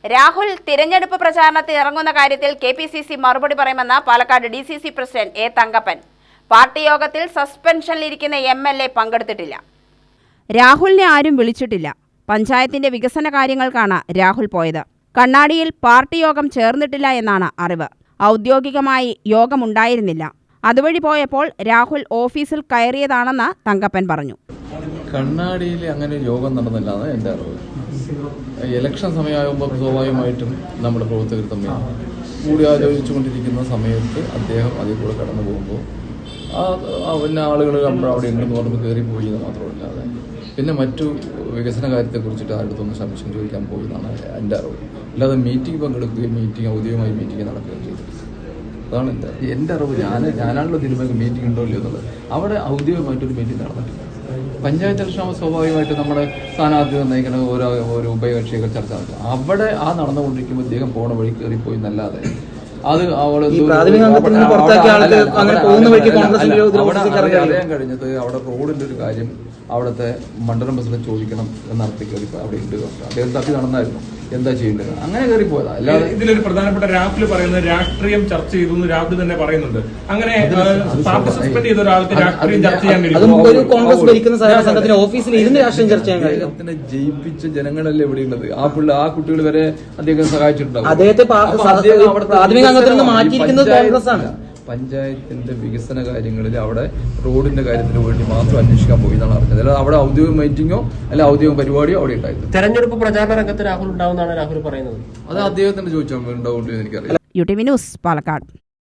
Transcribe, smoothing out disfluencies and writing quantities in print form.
രാഹുൽ തിരഞ്ഞെടുപ്പ് പ്രചാരണത്തിൽ ഇറങ്ങുന്ന കാര്യത്തിൽ കെപിസിസി മറുപടി പറയുമെന്ന് Palakkad DCC president A Thankappan. Party യോഗത്തിൽ സസ്പെൻഷനിലിരിക്കുന്ന എംഎൽഎ പങ്കെടുത്തിട്ടില്ല. രാഹുലിനെ ആരും വിളിച്ചിട്ടില്ല. പഞ്ചായത്തിന്റെ വികസന കാര്യങ്ങൾക്കാണ് രാഹുൽ പോയത്. കണ്ണാടിയിൽ പാർട്ടി യോഗം ചേർന്നിട്ടില്ല എന്നാണ് അറിവ്. ഔദ്യോഗികമായി യോഗമുണ്ടായിരുന്നില്ല. അതുവഴി പോയപ്പോൾ രാഹുൽ ഓഫീസിൽ കയറിയതാണെന്ന് തങ്കപ്പൻ പറഞ്ഞു. കണ്ണാടിയിൽ അങ്ങനെ യോഗം നടന്നില്ലാന്ന് എൻ്റെ അറിവ്. ഇലക്ഷൻ സമയമാകുമ്പോൾ സ്വാഭാവികമായിട്ടും നമ്മുടെ പ്രവർത്തകർ തമ്മിൽ കൂടിയാലോചിച്ചുകൊണ്ടിരിക്കുന്ന സമയത്ത് അദ്ദേഹം അതിൽ കൂടെ കടന്നു പോകുമ്പോൾ പിന്നെ ആളുകൾ അവിടെ ഉണ്ടെന്ന് പറഞ്ഞ് കയറിപ്പോയി എന്ന് മാത്രമല്ലാതെ പിന്നെ മറ്റു വികസന കാര്യത്തെക്കുറിച്ചിട്ട് ആരുടെടുത്തൊന്ന് സംശയം ചോദിക്കാൻ പോയി എന്നാണ് എൻ്റെ അറിവ്. അല്ലാതെ മീറ്റിംഗ് പങ്കെടുക്കുകയും ഔദ്യോഗികമായി മീറ്റിംഗ് നടക്കുകയും ചെയ്തു. അതാണ് എൻ്റെ അറിവ്. ഞാനാണല്ലോ തീരുമാനിക്കും മീറ്റിംഗ് ഉണ്ടോ ഇല്ലയോ എന്നുള്ളത്. അവിടെ ഔദ്യോഗികമായിട്ടൊരു മീറ്റിംഗ് നടന്നിട്ടില്ല. പഞ്ചായത്ത് ഇലക്ഷൻ സ്വാഭാവികമായിട്ട് നമ്മുടെ സ്ഥാനാർത്ഥി നിർണ്ണയിക്കുന്ന ഓരോ ഉഭയകക്ഷികൾ ചർച്ച നടത്തും. അവിടെ നടന്നുകൊണ്ടിരിക്കുമ്പോൾ ഇദ്ദേഹം പോണ വഴി കയറിപ്പോയി എന്നല്ലാതെ അത് അറിയാൻ കഴിഞ്ഞത് അവിടെ റോഡിന്റെ ഒരു കാര്യം അവിടുത്തെ മണ്ഡലം പ്രസിഡന്റ് ചോദിക്കണം എന്നർത്ഥി കയറി അവിടെ ഉണ്ട്. അദ്ദേഹം തപ്പി നടന്നായിരുന്നു എന്താ ചെയ്യേണ്ടത്, അങ്ങനെ കയറിപ്പോയതാ. അല്ലാതെ ഇതിലൊരു പ്രധാനപ്പെട്ട രാഹുൽ പറയുന്നത് രാഷ്ട്രീയം ചർച്ച ചെയ്തു എന്ന് രാഹുൽ തന്നെ പറയുന്നുണ്ട്. അങ്ങനെ പാർട്ടി സസ്പെൻഡ് ചെയ്ത ഒരാൾക്ക് രാഷ്ട്രീയം ചർച്ച ചെയ്യാൻ അദ്ദേഹത്തിനെ ജയിപ്പിച്ച ജനങ്ങളല്ലേ ഇവിടെയുള്ളത്. ആ കുട്ടികൾ വരെ അദ്ദേഹം സഹായിച്ചിട്ടുണ്ടാവും. പഞ്ചായത്തിന്റെ വികസന കാര്യങ്ങളിൽ അവിടെ റോഡിന്റെ കാര്യത്തിന് വേണ്ടി മാത്രം അന്വേഷിക്കാൻ പോയി എന്നാണ് അറിഞ്ഞത്. അല്ലാതെ അവിടെ ഔദ്യോഗിക മീറ്റിംഗോ അല്ല ഔദ്യോഗിക പരിപാടിയോ അവിടെ ഉണ്ടായിരുന്നു. തെരഞ്ഞെടുപ്പ് പ്രചാരണ രംഗത്ത് രാഹുൽ ഉണ്ടാവുമെന്നാണ് രാഹുൽ പറയുന്നത്. അത് അദ്ദേഹത്തിന് ചോദിച്ചാൽ ഉണ്ടാവുമെന്ന് എനിക്കറിയാം. UTV news Palakkad.